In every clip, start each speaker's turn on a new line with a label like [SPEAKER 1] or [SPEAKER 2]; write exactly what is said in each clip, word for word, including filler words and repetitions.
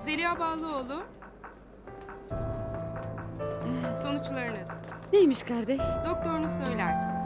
[SPEAKER 1] Zeliha Ballıoğlu. Sonuçlarınız.
[SPEAKER 2] Neymiş kardeş?
[SPEAKER 1] Doktorunuz söyler.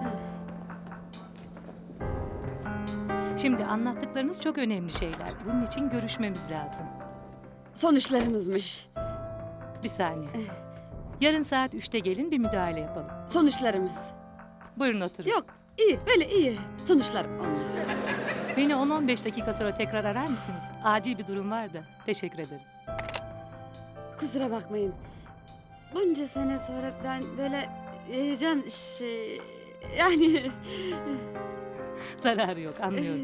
[SPEAKER 3] Şimdi anlattıklarınız çok önemli şeyler. Bunun için görüşmemiz lazım.
[SPEAKER 2] Sonuçlarımızmış.
[SPEAKER 3] Bir saniye. Yarın saat üçte gelin bir müdahale yapalım.
[SPEAKER 2] Sonuçlarımız.
[SPEAKER 3] Buyurun oturun.
[SPEAKER 2] Yok, iyi, böyle iyi. Sonuçlar onlar.
[SPEAKER 3] Beni on on beş dakika sonra tekrar arar mısınız? Acil bir durum var da. Teşekkür ederim.
[SPEAKER 2] Kusura bakmayın. Bunca sene sonra ben böyle heyecan şey... Yani...
[SPEAKER 3] Zararı yok, anlıyorum.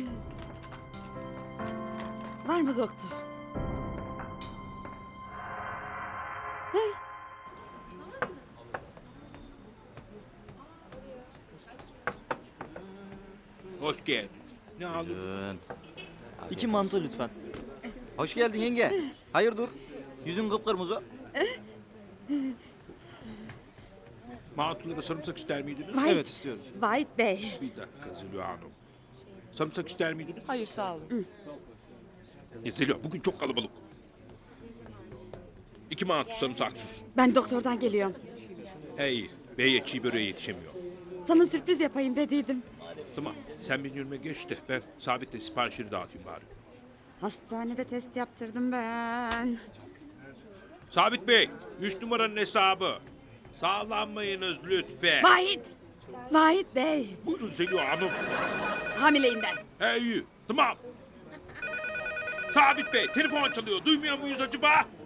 [SPEAKER 2] Var mı doktor?
[SPEAKER 4] Hoş geldin. Ne aldın?
[SPEAKER 5] Buyurun.
[SPEAKER 6] İki mantı lütfen.
[SPEAKER 5] Hoş geldin yenge. Hayırdır? Yüzün kıpkırmızı.
[SPEAKER 4] Mantılara sarımsak ister miydiniz?
[SPEAKER 2] Vahit,
[SPEAKER 6] Evet istiyorum.
[SPEAKER 2] Vahit Bey.
[SPEAKER 4] Bir dakika Zeliha Hanım. Sarımsak ister miydiniz?
[SPEAKER 1] Hayır sağ olun.
[SPEAKER 4] E, Zeliha bugün çok kalabalık. İki mantı sarımsaksız.
[SPEAKER 2] Ben doktordan geliyorum.
[SPEAKER 4] Hey, beye çiğ böreğe yetişemiyor.
[SPEAKER 2] Sana sürpriz yapayım dediydim.
[SPEAKER 4] Tamam, sen benim önüme geç de ben Sabit'le siparişleri dağıtayım bari.
[SPEAKER 2] Hastanede test yaptırdım ben.
[SPEAKER 4] Sabit Bey, üç numaranın hesabı. Sağlanmayınız lütfen.
[SPEAKER 2] Vahit! Vahit Bey.
[SPEAKER 4] Buyurun Zeliha Hanım.
[SPEAKER 2] Hamileyim ben.
[SPEAKER 4] Hey, tamam. Sabit Bey, telefon çalıyor. Duymuyor muyuz acaba?